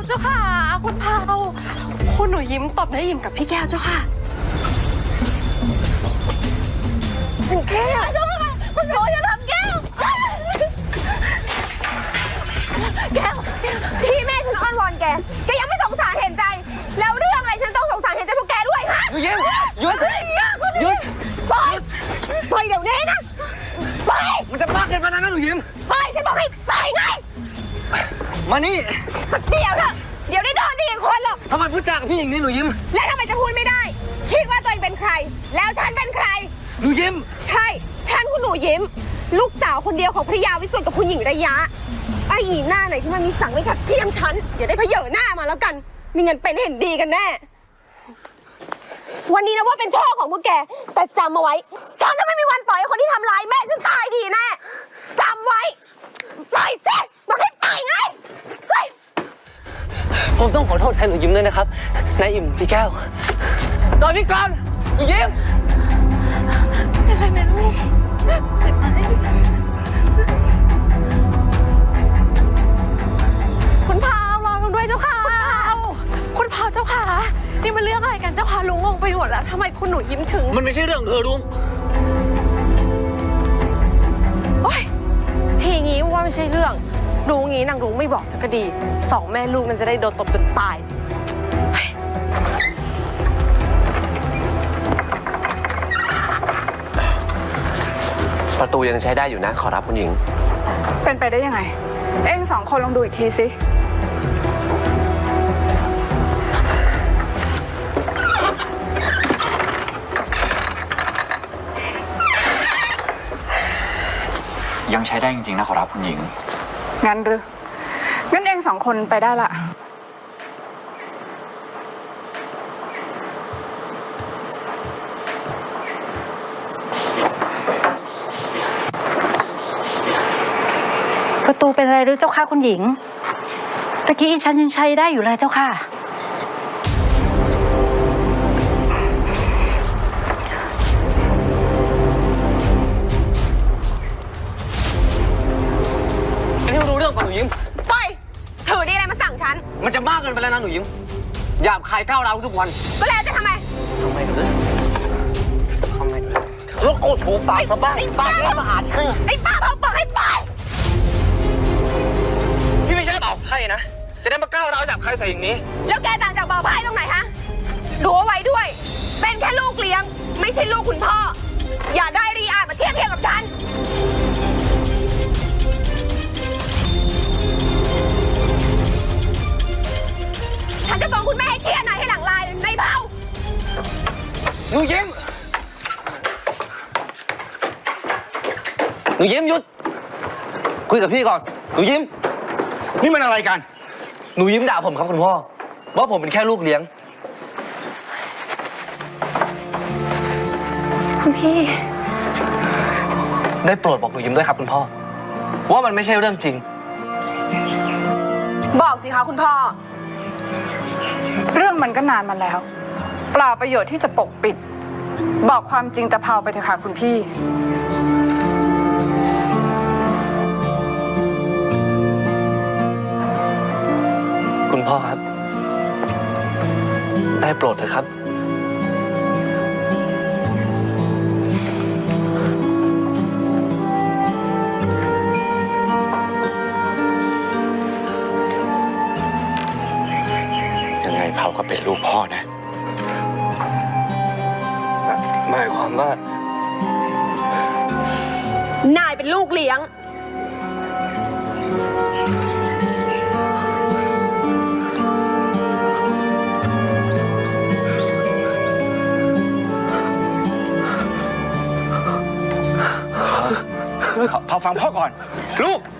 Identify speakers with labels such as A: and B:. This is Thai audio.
A: เจ้าค่ะคุณเผาคุณหนูยิ้มตบได้ยิ้มกับพี่แก้วเจ้าค่ะคุณแก้วเจ้าค่ะคุณหนูจะทำแก้ว
B: ที่แม่ฉันอ้อนวอนแกยังไม่สงสารเห็นใจแล้วเรื่องอะไรฉันต้องสงสารเห็นใจพวกแกด้วยฮะ
C: หนูยิ้มหยุดหยุด
B: ปล่อยเดี๋ยวนี้นะปล่อย
C: มันจะมากเกินไปแล้วนะหนูยิ้ม
B: ปล่อยฉันบอกให้ปล่อยไง
C: มานี่
B: เดี๋ยวเถอะเดี๋ยวได้โดนดีอีกคนหรอก
C: ทำไมพูดจากับพี่อย่างนี้หนูยิ้ม
B: แล้วทำไมจะพูดไม่ได้คิดว่าตัวเองเป็นใครแล้วฉันเป็นใคร
C: หนูยิ้ม
B: ใช่ฉันคุณหนูยิ้มลูกสาวคนเดียวของพระยาวิสุทธิ์กับคุณหญิงระยะไอ้หญิงหน้าไหนที่มันมีสังไม่ชัดเจียมฉันอย่าได้เผยหน้ามาแล้วกันมีเงินเป็นเห็นดีกันแน่วันนี้นะว่าเป็นโชคของพวกแกแต่จำเอาไว้ฉันจะไม่มีวันปล่อยคนที่ทำร้ายแม่ฉันตายดีแน่จำไว้ปล่อยสิบอกให้ปล่อยไงเฮ้ย
C: ผมต้องขอโทษแทนหนูยิ้มด้วยนะครับนายอิ่มพี่แก้วรอพี่ก่อนหนูยิ้ม
A: เป็นไรไหมลูกเป็นไรคุณเผารอกันด้วยเจ้าค่ะคุณเผาเจ้าค่ะนี่มันเรื่องอะไรกันเจ้าค่ะลุงงงไปหมดแล้วทำไมคุณหนูยิ้มถึง
C: มันไม่ใช่เรื่องเธอลุง
A: โอ๊ยทีงี้ว่าไม่ใช่เรื่องดูงี้นางลุงไม่บอกสักก็ดีสองแม่ลูกมันจะได้โดนตบจนตาย
C: ประตูยังใช้ได้อยู่นะขอรับคุณหญิง
D: เป็นไปได้ยังไงเอ็งสองคนลองดูอีกทีสิ
E: ยังใช้ได้จริงๆนะขอรับคุณหญิง
D: งั้นหรืองั้นเอ็งสองคนไปได้ละ
F: ประตูเป็นอะไรหรือเจ้าค่ะคุณหญิงตะกี้ฉันยังใช้ได้อยู่เลยเจ้าค่ะ
C: อันนี้รู้เรื่องก่อนหนูยิ้ม
B: ปล่อยถือดีอะไรมาสั่งฉัน
C: มันจะมากเกินไปแล้วนะหนูยิ้มหยาบคายก้าวร้าวทุกวัน
B: ก็แล้วจะทำไม
C: หรือทำไมแล้วโกรธหูปากซะบ้างปากแล้วมาหาที่
B: ไอ้ป้าเผาปากให้ปล่อย
C: พี่ไม่ใช่เป่าไพ่นะจะได้มาก้าวร้าวหยาบคายใส่อย่างนี้
B: แล้วแกต่างจากเป่าไพ่ตรงไหนฮะดูเอาไว้ด้วยเป็นแค่ลูกเลี้ยงไม่ใช่ลูกคุณพ่ออย่าได้รีอามาเทียบกับฉันฉันจะฟ้องคุณแม่ให้เครียดหน่อยให้หลังลายในเผา
C: หนูยิ้มหนูยิ้มหยุดคุยกับพี่ก่อนหนูยิ้มนี่มันอะไรกันหนูยิ้มด่าผมครับคุณพ่อว่าผมเป็นแค่ลูกเลี้ยง
F: คุณพี่
C: ได้โปรดบอกหนูยิ้มด้วยครับคุณพ่อว่ามันไม่ใช่เรื่องจริง
B: บอกสิคะคุณพ่อ
D: เรื่องมันก็นานมาแล้วเปล่าประโยชน์ที่จะปกปิดบอกความจริงตะเภาไปเถอะค่ะคุณพี่
C: คุณพ่อครับได้โปรดเถอะครับ
E: ยังไงเผาก็เป็นลูกพ่อนะ
C: หมายความว่
B: นายเป็นลูกเลี้ยง
G: พอฟังพ่อก่อนลูก